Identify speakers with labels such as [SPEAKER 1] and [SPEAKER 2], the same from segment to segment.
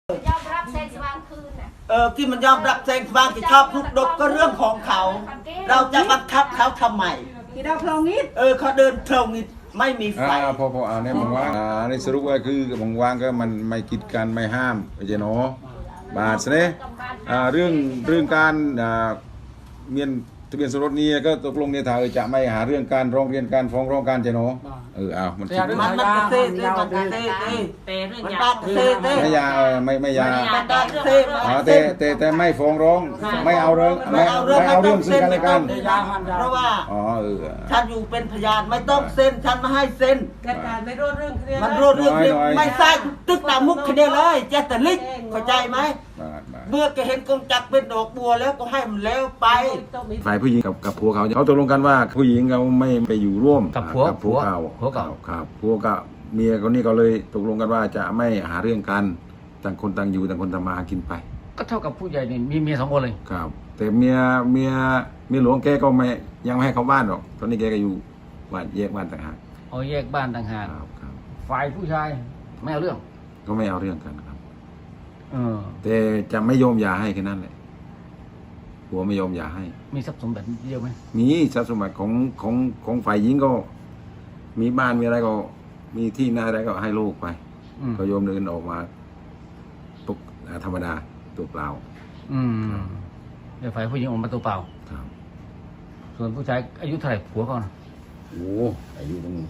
[SPEAKER 1] ยอมรับแสงสว่างคืนน่ะ
[SPEAKER 2] ที่มันยอมรับแสงสว่างที่ชอบทุกดกก็เรื่องของเขา เราจะบังคับเขาทำไม
[SPEAKER 3] ที่เราพลองนิด
[SPEAKER 2] เขาเดินเพลงนิดไม่มีไฟ
[SPEAKER 4] พออ่านเนี่ยมึงว่าในสรุปว่าคือมึงวางก็มันไม่กีดกันไม่ห้ามเจเนาะบาทเนี่ยเรื่องการเมียนทะเบียนสมรสนี้ก็ตกลงในทางจะไม่หาเรื่องการร้องเรียนการฟ้องร้องการเจเนาะมันคิด
[SPEAKER 2] มันเซ่มันบาดเซ่
[SPEAKER 4] ไม่ยาไม่ยาแต่ไม่ฟ้องร้องไม่เอาเรื่องซึ่งกันและกัน
[SPEAKER 2] เพราะว่าฉันอยู่เป็นพยานไม่ต้องเซ็นฉันมาให้เซ็น
[SPEAKER 3] การไม่รู้เรื่อง
[SPEAKER 2] มันรู้เรื่องไม่ใช่ตึกหนามุกคดีเลยเจตลิกเข้าใจไหมเมื่อแกเห็นกงจักรเป็นดอกบัวแล้วก็ให้มันแล้วไป
[SPEAKER 4] ฝ่ายผู้หญิงกับผัวเขาตกลงกันว่าผู้หญิงเขาไม่ไปอยู่ร่วม
[SPEAKER 5] กับผัวเก่า
[SPEAKER 4] ครับผัวกับเมียคนนี้ก็เลยตกลงกันว่าจะไม่หาเรื่องกันต่างคนต่างอยู่ต่างคนต่างมากินไป
[SPEAKER 5] ก็เท่ากับผู้ใหญ่นี่มีเมีย2 คนเลย
[SPEAKER 4] ครับแต่เมียหลวงแกก็ไม่ยังไม่ให้เข้าบ้านหรอกตอนนี้แกก็อยู่บ้านแยกบ้านต่างหาก
[SPEAKER 5] แยกบ้านต่างหากฝ่ายผู้ชายไม่เอาเรื่อง
[SPEAKER 4] ก็ไม่เอาเรื่องกันครับแต่จะไม่ยอมหย่าให้แค่นั้นแหละผัวไม่ยอมหย่าให้
[SPEAKER 5] มีทรัพย์สมบัติเยอะไหม
[SPEAKER 4] มีทรัพย์สมบัติของฝ่ายหญิงก็มีบ้านมีอะไรก็มีที่นาอะไรก็ให้ลูกไปก็โยมเดินออกมาตกธรรมดาตัวเปล่า
[SPEAKER 5] เดี๋ยวฝ่ายผู้หญิงออกมาตัวเปล่า
[SPEAKER 4] ครับ
[SPEAKER 5] ส่วนผู้ชายอายุเท่าไหร่ผัวเขา
[SPEAKER 4] โอ้อายุตั้ง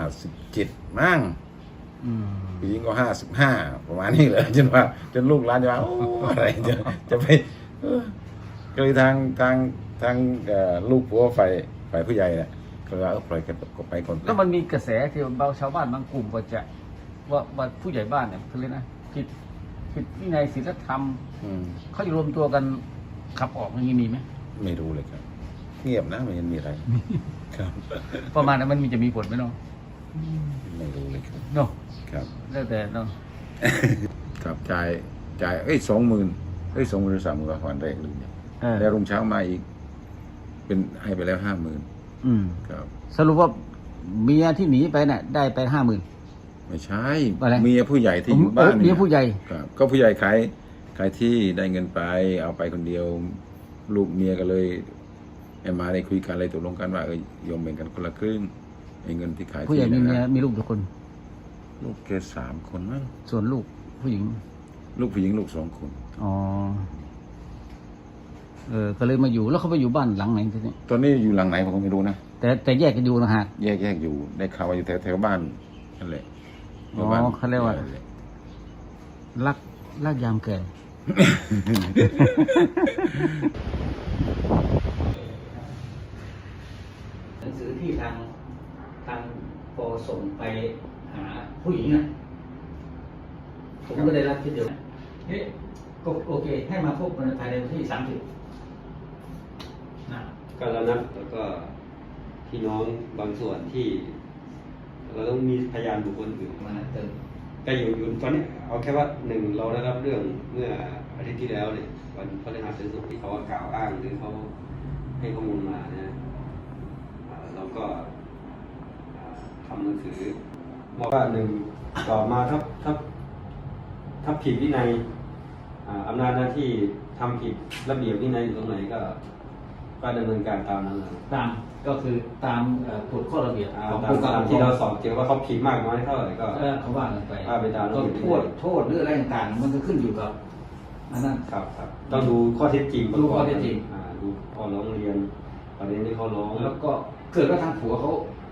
[SPEAKER 4] 57มั้งผู้หญิงก็55ประมาณนี้เลยจนลูกหลานจะว่าอะไรจะไปก็เลยทางลูกผัวฝ่ายผู้ใหญ่เนี่ยก็ว่าปล่อยกันก็ไปก่อน
[SPEAKER 5] แล้วมันมีกระแสที่ชาวบ้านบางกลุ่มก็จะว่าผู้ใหญ่บ้านเนี่ยคือเลยนะผิดวินัยศีลธรรมเขาจะรวมตัวกันขับออกอย่างนี้มีไหม
[SPEAKER 4] ไม่รู้เลยครับเงียบนะไม่เห็นมีอะไรครับ
[SPEAKER 5] ประมาณนั้นมันจะมีผลไหมน้อง
[SPEAKER 4] ไม่รู้เลยครับ
[SPEAKER 5] เนาะ
[SPEAKER 4] ครับ
[SPEAKER 5] แล้วแต่เนาะ
[SPEAKER 4] ครับจ่าย20,000 20,000 หรือ 30,000วันแรกเลยแล้วรุ่งเช้ามาอีกเป็นให้ไปแล้ว50,000ครับ
[SPEAKER 5] สรุปว่าเมียที่หนีไปน่ะได้ไป
[SPEAKER 4] 50,000ไม่ใช่เมียผู้ใหญ่ที่อยู่บ้าน
[SPEAKER 5] เมียผู้ใหญ่
[SPEAKER 4] ครับก็ผู้ใหญ่ขายที่ได้เงินไปเอาไปคนเดียวลูกเมียก็เลยมาได้คุยกันอะไรตกลงกันว่ายอมแบ่งกันคนละครึ่งเงินที่ขาย
[SPEAKER 5] ผู้ใหญ่มีเมียมีลูกกี่คน
[SPEAKER 4] ลูกแก3 คนมั้ง
[SPEAKER 5] ส่วนลูกผู้หญิง
[SPEAKER 4] ลูก2 คน
[SPEAKER 5] ก็เลยมาอยู่แล้วเขาไปอยู่บ้านหลังไหนทีนี้
[SPEAKER 4] ตอนนี้อยู่หลังไหนผมไม่รู้นะ
[SPEAKER 5] แต่แยกกันอยู่นะฮะ
[SPEAKER 4] แยกอยู่ได้ข่าวว่าอยู่แถวบ้านนั่นแหละ
[SPEAKER 5] เขาเรียกว่ารักยามแก่หนังสือที่ทางปอส่งไปหาผู้หญิงนะผมก็ได้รับทีเดียวก็โอเคให้มาพบภายในวันที่30
[SPEAKER 6] ก็แล้วนะแล้วก็พี่น้องบางส่วนที่เราต้องมีพยานบุคคลอื่น
[SPEAKER 5] มาเติม
[SPEAKER 6] ก็อยู่ตอนนี้เอาแค่ว่า1เราได้รับเรื่องเมื่ออาทิตย์ที่แล้วเนี่ยวันพฤหัสบดีที่เขากล่าวอ้างหรือเขาให้ข้อมูลมานะเราก็ทำหนังสือบอกว่า1ต่อมาถ้าผิดวินัยอำนาจหน้าที่ทำผิดระเบียบวินัยอยู่ตรงไหนก็ดำเนินการตามนั้น
[SPEAKER 5] ตามก็คือตามกฎข้อระเบียบ
[SPEAKER 6] ของผู้กำกับที่เราสอบเจอว่าเขาผิดมากน้อยเท่าไหร่ก็
[SPEAKER 5] เขาว่ากันไป
[SPEAKER 6] ไปตาม
[SPEAKER 5] ก็โทษหรืออะไรต่างๆมันก็ขึ้นอยู่กับอันนั้น
[SPEAKER 6] ครับต้องดูข้อเท็จจริง
[SPEAKER 5] ดูข้อเท็จจริง
[SPEAKER 6] ดูข้อร้องเรียนประเด็นที่เขาร้อง
[SPEAKER 5] แล้วก็เกิดว่าทางผัวเขา